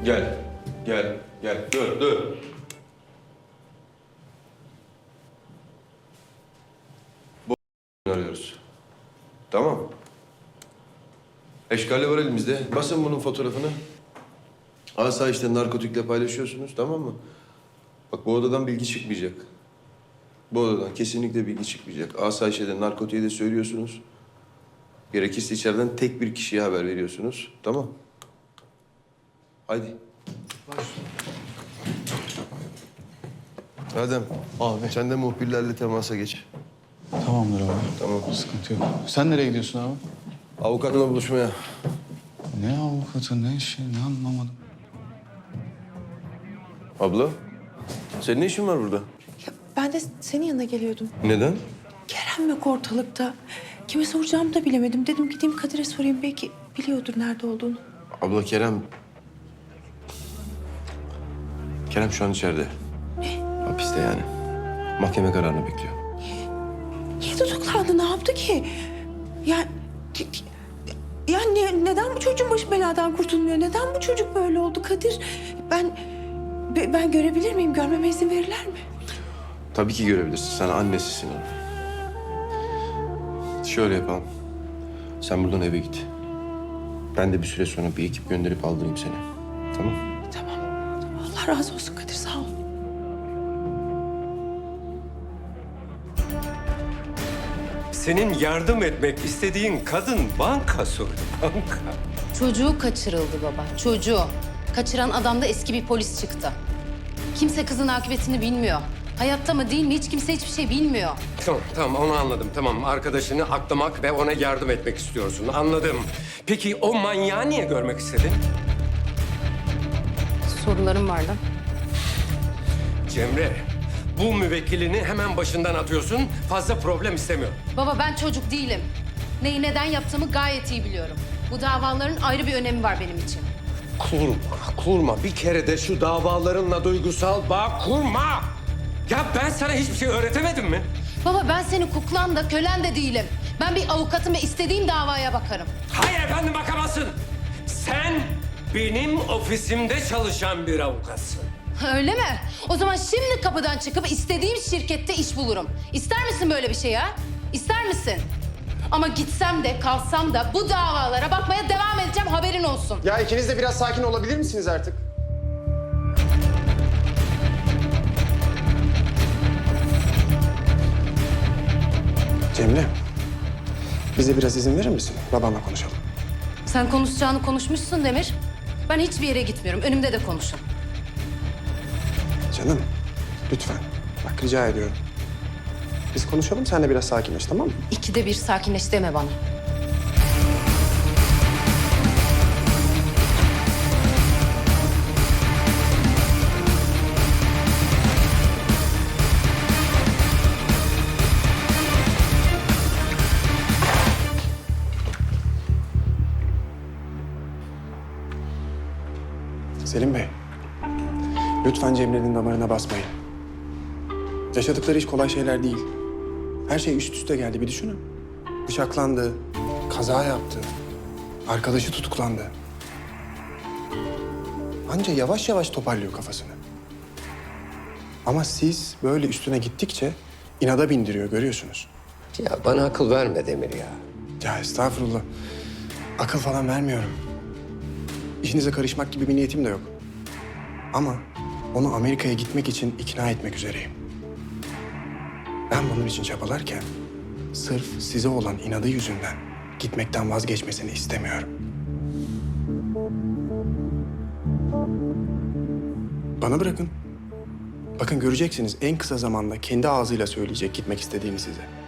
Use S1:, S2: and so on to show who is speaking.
S1: Gel. Gel. Gel. Dur. Bu arıyoruz. Tamam. Eşkali var elimizde. Basın bunun fotoğrafını. Asayişte narkotikle paylaşıyorsunuz, tamam mı? Bak bu odadan bilgi çıkmayacak. Bu odadan kesinlikle bilgi çıkmayacak. Asayişe de narkotiğe de söylüyorsunuz. Gerekirse içeriden tek bir kişiye haber veriyorsunuz. Tamam. Haydi. Adem.
S2: Abi.
S1: Sen de muhbirlerle temasa geç.
S2: Tamamdır abi.
S1: Tamam.
S2: Sıkıntı yok. Sen nereye gidiyorsun abi?
S1: Avukatla buluşmaya.
S2: Ne avukatı, ne işi, ne anlamadım.
S1: Abla, senin ne işin var burada?
S3: Ya ben de senin yanına geliyordum.
S1: Neden?
S3: Kerem yok ortalıkta. Kime soracağımı da bilemedim. Dedim gideyim Kadir'e sorayım. Belki biliyordur nerede olduğunu.
S1: Abla Kerem... Kerem şu an içeride.
S3: Ne?
S1: Hapiste yani. Mahkeme kararını bekliyor.
S3: Niye tutuklandı? Ne yaptı ki? Neden bu çocuğun başı beladan kurtulmuyor? Neden bu çocuk böyle oldu Kadir? Ben görebilir miyim? Görmeme izin verirler mi?
S1: Tabii ki görebilirsin. Sen annesisin onun. Şöyle yapalım. Sen buradan eve git. Ben de bir süre sonra bir ekip gönderip aldırayım seni. Tamam?
S3: Tamam. Allah razı olsun Kadir. Sağ ol.
S4: Senin yardım etmek istediğin kadın banka soydu, banka.
S5: Çocuğu kaçırıldı baba, çocuğu. Kaçıran adam da eski bir polis çıktı. Kimse kızın akıbetini bilmiyor. Hayatta mı değil mi hiç kimse hiçbir şey bilmiyor.
S4: Tamam onu anladım. Tamam arkadaşını aklamak ve ona yardım etmek istiyorsun. Anladım. Peki o manyağı niye görmek istedin?
S5: Sorularım var da.
S4: Cemre, bu müvekkilini hemen başından atıyorsun. Fazla problem istemiyorum.
S5: Baba ben çocuk değilim. Neyi neden yaptığımı gayet iyi biliyorum. Bu davaların ayrı bir önemi var benim için.
S4: Kurma. Bir kere de şu davalarınla duygusal bağ kurma. Ya ben sana hiçbir şey öğretemedim mi?
S5: Baba ben senin kuklan da kölen de değilim. Ben bir avukatım ve istediğim davaya bakarım.
S4: Hayır efendim bakamazsın. Sen benim ofisimde çalışan bir avukatsın.
S5: Öyle mi? O zaman şimdi kapıdan çıkıp istediğim şirkette iş bulurum. İster misin böyle bir şey ha? İster misin? Ama gitsem de kalsam da bu davalara bakmaya devam edeceğim haberin olsun.
S6: Ya ikiniz de biraz sakin olabilir misiniz artık? Cemre, bize biraz izin verir misin? Babamla konuşalım.
S5: Sen konuşacağını konuşmuşsun Demir. Ben hiçbir yere gitmiyorum. Önümde de konuşun.
S6: Canım, lütfen. Bak rica ediyorum. Biz konuşalım, sen de biraz sakinleş, tamam mı?
S5: İkide bir sakinleş deme bana.
S6: Selim Bey, lütfen Cemre'nin damarına basmayın. Yaşadıkları hiç kolay şeyler değil. Her şey üst üste geldi, bir düşünün. Bıçaklandı, kaza yaptı, arkadaşı tutuklandı. Anca yavaş yavaş toparlıyor kafasını. Ama siz böyle üstüne gittikçe inada bindiriyor, görüyorsunuz.
S4: Ya bana akıl verme Demir ya.
S6: Ya estağfurullah. Akıl falan vermiyorum. İşinize karışmak gibi bir niyetim de yok. Ama onu Amerika'ya gitmek için ikna etmek üzereyim. Ben bunun için çabalarken sırf size olan inadı yüzünden gitmekten vazgeçmesini istemiyorum. Bana bırakın. Bakın göreceksiniz en kısa zamanda kendi ağzıyla söyleyecek gitmek istediğini size.